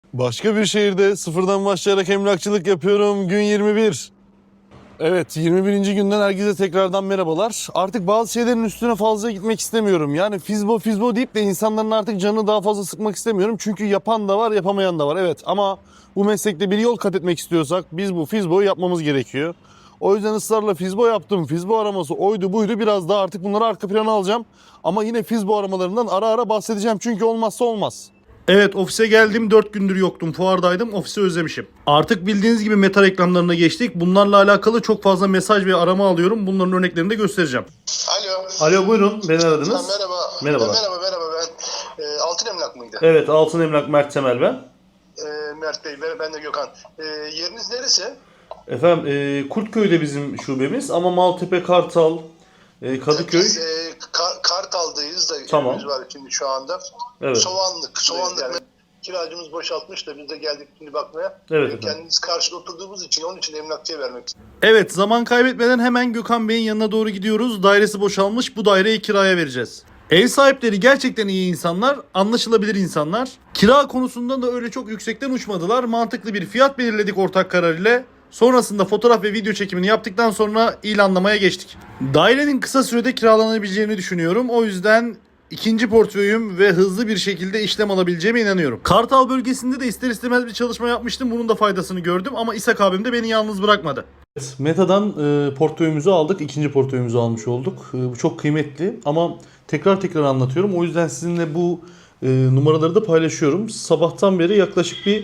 Başka bir şehirde sıfırdan başlayarak emlakçılık yapıyorum. Gün 21. Evet, 21. günden herkese tekrardan merhabalar. Artık bazı şeylerin üstüne fazla gitmek istemiyorum. Yani fizbo deyip de insanların artık canını daha fazla sıkmak istemiyorum. Çünkü yapan da var, yapamayan da var. Evet, ama bu meslekte bir yol kat etmek istiyorsak biz bu fizboyu yapmamız gerekiyor. O yüzden ısrarla fizbo yaptım. Fizbo araması oydu buydu, biraz daha artık bunları arka plana alacağım. Ama yine fizbo aramalarından ara ara bahsedeceğim çünkü olmazsa olmaz. Evet, ofise geldim, 4 gündür yoktum, fuardaydım, ofisi özlemişim. Artık bildiğiniz gibi meta reklamlarına geçtik. Bunlarla alakalı çok fazla mesaj ve arama alıyorum. Bunların örneklerini de göstereceğim. Alo. Alo, buyurun, beni aradınız. Merhaba. Merhaba. Merhaba ben Altın Emlak mıydı? Evet, Altın Emlak, Mert Temel ben. Mert Bey ben de Gökhan. Yeriniz neresi? Efendim, Kurtköy'de bizim şubemiz ama Maltepe, Kartal, Kadıköy. Biz Kartal'dayız da Tamam. evimiz var şimdi şu anda. Evet. Soğanlık yani kiracımız boşaltmış da biz de geldik şimdi bakmaya. Evet efendim. Kendimiz karşıda oturduğumuz için onun için emlakçıya vermek istedim. Evet, zaman kaybetmeden hemen Gökhan Bey'in yanına doğru gidiyoruz. Dairesi boşalmış, bu daireyi kiraya vereceğiz. Ev sahipleri gerçekten iyi insanlar, anlaşılabilir insanlar. Kira konusunda da öyle çok yüksekten uçmadılar. Mantıklı bir fiyat belirledik ortak karar ile. Sonrasında fotoğraf ve video çekimini yaptıktan sonra ilanlamaya geçtik. Dairenin kısa sürede kiralanabileceğini düşünüyorum. O yüzden ikinci portföyüm ve hızlı bir şekilde işlem alabileceğime inanıyorum. Kartal bölgesinde de ister istemez bir çalışma yapmıştım. Bunun da faydasını gördüm ama İshak abim de beni yalnız bırakmadı. Meta'dan portföyümüzü aldık. İkinci portföyümüzü almış olduk. Bu çok kıymetli ama tekrar anlatıyorum. O yüzden sizinle bu numaraları da paylaşıyorum. Sabahtan beri yaklaşık bir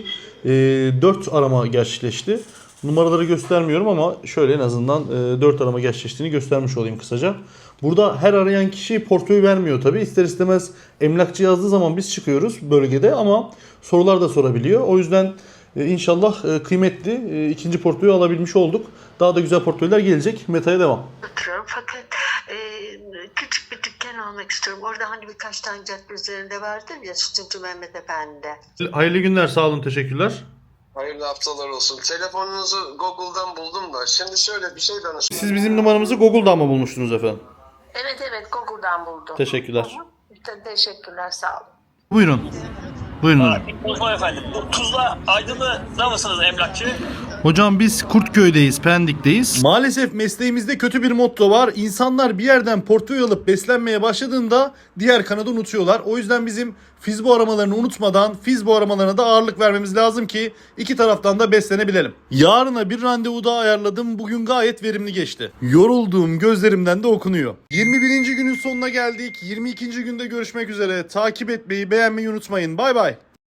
4 arama gerçekleşti. Numaraları göstermiyorum ama şöyle en azından 4 arama gerçekleştiğini göstermiş olayım kısaca. Burada her arayan kişi portföy vermiyor tabii. İster istemez emlakçı yazdığı zaman biz çıkıyoruz bölgede ama sorular da sorabiliyor. O yüzden İnşallah kıymetli ikinci portföyü alabilmiş olduk. Daha da güzel portföyler gelecek. Meta'ya devam. Fakat küçük bir dükkan almak istiyorum. Orada hani birkaç tane cadde üzerinde vardır ya, Sütüncü Mehmet Efendi. Hayırlı günler, sağ olun, teşekkürler. Hayırlı haftalar olsun. Telefonunuzu Google'dan buldum da. Şimdi şöyle bir şey danışmak. Siz bizim numaramızı Google'dan mı bulmuştunuz efendim? Evet Google'dan buldum. Teşekkürler. Teşekkürler, sağ olun. Buyurun. Buyurun. Osman efendim, bu Tuzla Aydınlı'da mısınız emlakçı? Hocam biz Kurtköy'deyiz, Pendik'teyiz. Maalesef mesleğimizde kötü bir motto var. İnsanlar bir yerden portföy alıp beslenmeye başladığında diğer kanadı unutuyorlar. O yüzden bizim fizbo aramalarını unutmadan fizbo aramalarına da ağırlık vermemiz lazım ki iki taraftan da beslenebilelim. Yarına bir randevu daha ayarladım. Bugün gayet verimli geçti. Yorulduğum gözlerimden de okunuyor. 21. günün sonuna geldik. 22. günde görüşmek üzere. Takip etmeyi, beğenmeyi unutmayın. Bay bay.